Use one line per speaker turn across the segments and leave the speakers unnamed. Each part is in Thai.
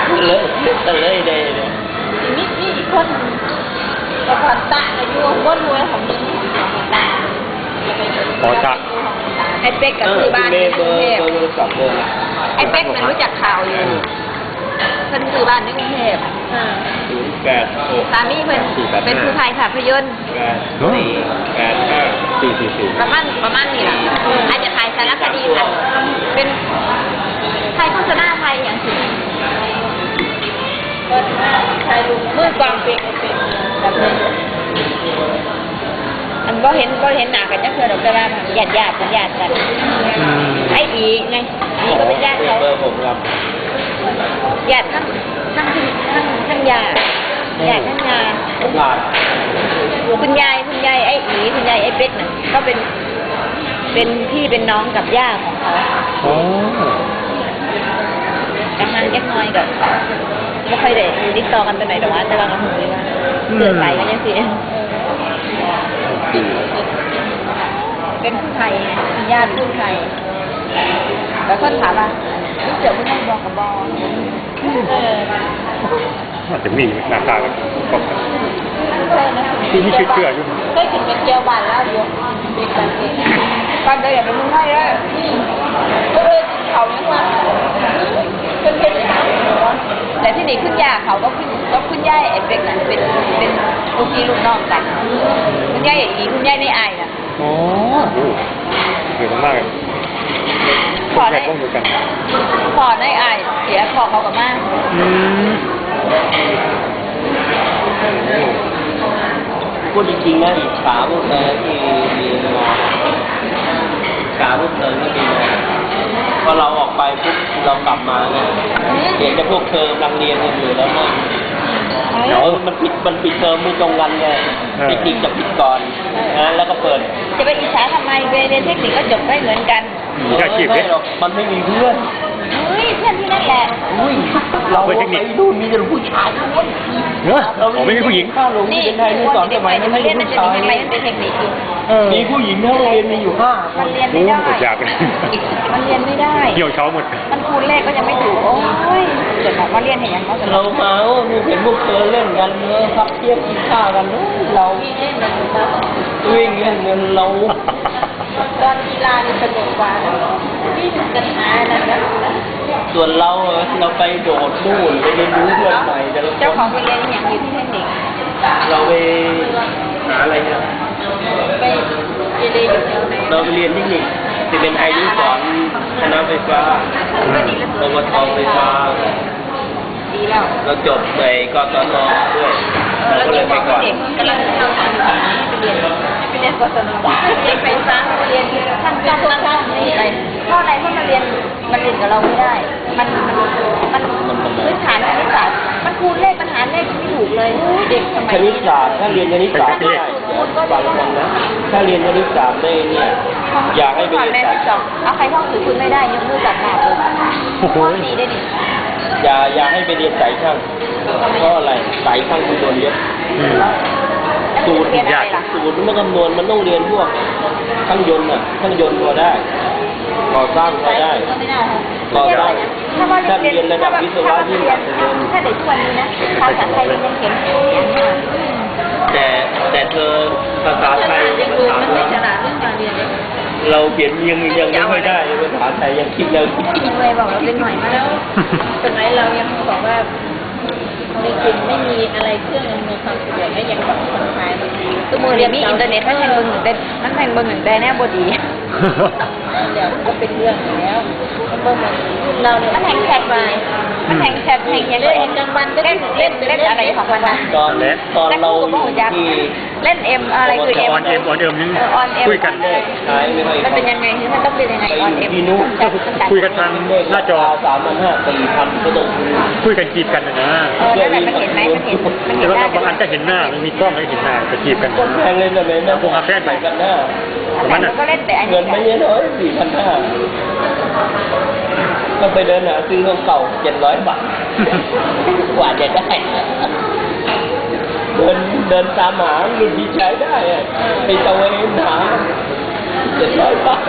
เลยได้
นี่อีกคนแต่ก่อนตะอายุก็รวยของนี้ตะ
ขอตะ
ไอ้เป๊กกับซื้อบ้านที่กรุงเทพ ไอ้เป๊กมันรู้จักข่าวอยู่เพิ่นซื้อบ้านในกรุงเทพสามีเพิ่นเป็นผู้ถ่ายภาพยนตร์ประมาณนี้ล่ะอาจจะถ่ายสารคดีค่ะเป็นถ่ายโฆษณาไทยอย่างสิก็ถ่ายรูปมือกลองเป็นแบบนี้อันก็เห็นหน้ากันจังเทื่อดอกแต่ว่าญาติกันไอ้อีไงอีก็เป็นญาติเขาญาติทั้งยาญาติทั้งยาคุณยายไอ้อีคุณยายไอ้เป๊กน่ะก็เป็นพี่เป็นน้องกับย่าของเขากำลังแยกน้อยกับไม่ค่อยได้ติดต่อกันไปไหนแต่ว่าเราหูเลยว่าเสือใส่กันยังสิเป็นผู้ไทยเป็นญาติผู้ไทยแล้วคนถามว่าเสือผู้ไทยบอกกับบอ
อาจจะมีหน้าตาแบบที่นี่เชื่ออยู่
เคยกินเป็นเจียวบานแล้วอยู่เป็นการเองก่อนเดินอย่าเป็นผู้ไทยเลยก็เลยเขายังว่าเป็นแต่ที่นี่คุณย่าเขาก็คุณย่าไอ้เป็กน่ะเป็นลูกพี่ลูกน้องกันคุณย่าอย่างนี้คุณย่าในไอ้น่ะ
โอ้เหนื่อยมากเลย
พอได้ไอ้เสียพอเขากับมาก
พูดจริงๆนะอิจฉาพวกเธอที่เรียนมาอิจฉาพวกเธอที่เรียนมาพอเราออกไปปุ๊บเรากลับมาเนี่ยเห็นแต่พวกเธอกำลังเรียนกันอยู่แล้วนะมันปิดเทอมไม่ตรงกันไงเทคนิคจะปิดก่อนนะแล้วก็เปิด
จะไปอิจฉาทำไมเรียนเทคนิคก็จบได้เหมือนกัน
ไม่หรอกมันไม่มีเพื่อน
เฮ้ยเพื่อนที่นั่นแหละ
เราไปดูมีแต่ผู้ชาย
เราไม่มีผู้หญิง
นี่เป็นไทยนี่สอนสมัยนี้ไม่เรียนมันจะมีอะไรเป็นเทคนิค
มีผู้หญิงทั้งโรงเรียนมีอยู่5
มันเรียนไม่ได้มันเรียนไม่ได้
เกี่ยวเช้าหมด
มันคูณเลขก็ยังไม่ถูกโอ้ยเกิดมาเรียนเห็นอย่างเขา
เรามาเห็นพวกเธอเล่นกันเนื้อพับเทียบกินข้าวกันเราวิ่งเล่นกันเรา
ตอนกีฬานี่สนุกกว่าวิ่งกันหานะ
ส่วนเราไปโดดนู่นไปเรียนรู้เพื่อนใหม่แต่ละคน
เจ้าของไปเรียนอย่างอยู่ที่เทคนิค
เราไปหาอะไรเนี่ย
ไปเรียนอยู่
เราไปเรียนเทคนิคจะเป็นไอริสอนคณะไฟฟ้าปวชไฟฟ้า
ดีแล้ว
เราจบในกศนด้วยเราก็เลยไปก่อน
กำลังเข้าทางไปเรียนกศนเรียนไฟฟ้าเรียนท่านนี่ไปเพราะอะไรเพราะมันเรียนกับเราไม่ได้มันพื้นฐานคณิตศาสตร์มันคูณเลขมันหารเลขไม่ถูกเลยเด็กสมัย
คณิตศาสตร์ถ้าเรียนคณิตศาสตร์ได้บางคนนะถ้าเรียนคณิตศาสตร์ได้เนี่ยอยากให้ไปเรียนสาย
เอาใครท่องถือคุณไม่ได้ยกมือจับหน้าเลยข้อดีได้ดิ
อย่าให้ไปเรียนสายช่างเพราะอะไรสายช่างคุณโดนเยอะสูตรมันคำนวณมันต้องเรียนพวกช่างยนต์ก็ได้ก่อสร้างก็ได้ก่อสร้างถ้าเรียนระดับวิศวะยิ่งกว่า
ถ้าเด็กทุกวันนี้นะภาษาไทยยังเขียน
แต่เธอภาษาไทย
มันไม่ฉลาดเรื่องการเรียน
เราเขียนยังไม่ค่อยได้ภาษาไทยยังคิดเลย
บอกเราเป็นหน่อยมาแล้วสมัยเรายังบอกว่าในกลุ่มไม่มีอะไรเครื่องอำนวยความสะดวกได้ยังแบบคนไทยตัวมือเรียนมีอินเทอร์เน็ตมันแทงเบอร์หนึ่งได้แน่บดีเดี๋ยวก็เป็นเรื่องแล้วเบอร์หนึ่งเราเนี่ยมันแทงแชทมามันแทงแชทแทงอย่างเล่นกลางวันก็เล่นอะไรของมันนะ
ตอนเรา
ที่เล่นเอ็มอะไรคือเอ็ม
ออนเอ็มยังคุยกัน
มันเป็นยังไงมันต้องเป็นยังไงออนเอ็ม
คุยกันทางหน้าจอ
3,500 4,000ก็ต้อง
คุยกันจีบกันนะ
นั่นแหละมันเห็นไหมมันเห็น
แต่ว่าบางอันก็เห็นหน้ามันมีกล้องให้เห็นหน้าจะจีบกัน
คนแพงเลยนะแม่
พวกอาแฟนไป
กันหน้า
ก็เล่นแต่
เงินไม่เยอะเลย4,500ก็ไปเดินหาซื้อของเก่า700 บาทกว่าจะได้เดินตามหารุ่นที่ใช้ได้ไปตะเวนหา700 บาท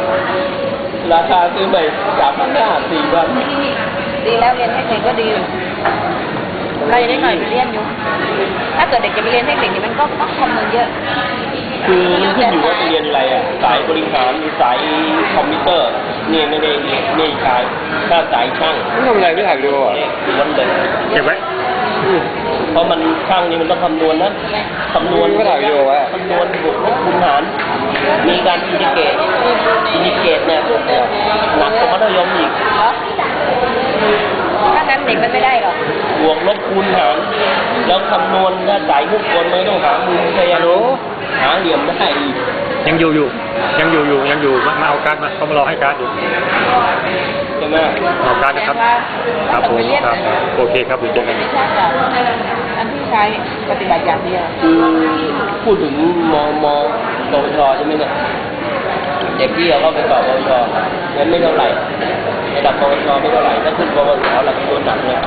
ราคาซื้อใหม่3,500 4,000
ดีแล้วเรียนให้เก่งก็ดีเราจะได้หน่อยไปเรียนอยู่ ถ้าเกิดเด็กจะไปเรียนเทคนิคนี่มันก็ต้องคำนวณเยอะ
คือมันขึ้นอยู่ว่าจะเรียนอะไรอ่ะสายบริหารหรือสายคอมพิวเตอร์เนี่ยไม่ได้ไม่ใช่ถ้าสายช่าง
ไม่ทำอะไรไม่ถ่ายวิดีโออ่ะ
ล้วนเลย
เก็บไว้
เพราะมันช่างนี่มันต้องคำนวณนะคำนวณ
ไม่ถ่ายวิดีโอไว้
คำนวณบวกลบคูณหารมีการอินทิเกรตเนี่ยพวกเนี่ยหนักกว่ามัธยมอีก
เหรอ ถ้างั้นเด็กมันไม่ได้หรอก
บวกลบคูณหารแล้วคำนวณถ้าสายมุกคนไม่ต้องหามุมพยายามหาเหลี่ยมได้อีก
ยังอยู่มาเอาการ์ดมาเขามารอให้การ์ดอยู่
ใช่ไหม
เอาการ์ดนะครับ ครับผมครับโอเคครับเดี๋ยวเจอกัน
ไม่ใช่กับอันที่ใช้ปฏิบัติอย่างเดียว
คือพูดถึงมปวชใช่ไหมเนี่ยเด็กที่เขาเข้าไปสอบปวชงั้นไม่เท่าไหร่ระดับปวชไม่เท่าไหร่ถ้าขึ้นปวสหลักตัวหนักเลย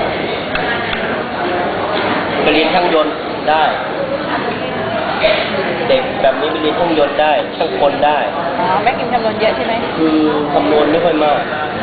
ไปเรียนช่างยนต์ได้ เด็กแบบนี้ไปเรียนช่างยนต์ได้ช่างกลได้
อ๋อแม่กินคำนวณเยอะใช่ไหม
คือคำนวณไม่ค่อยมาก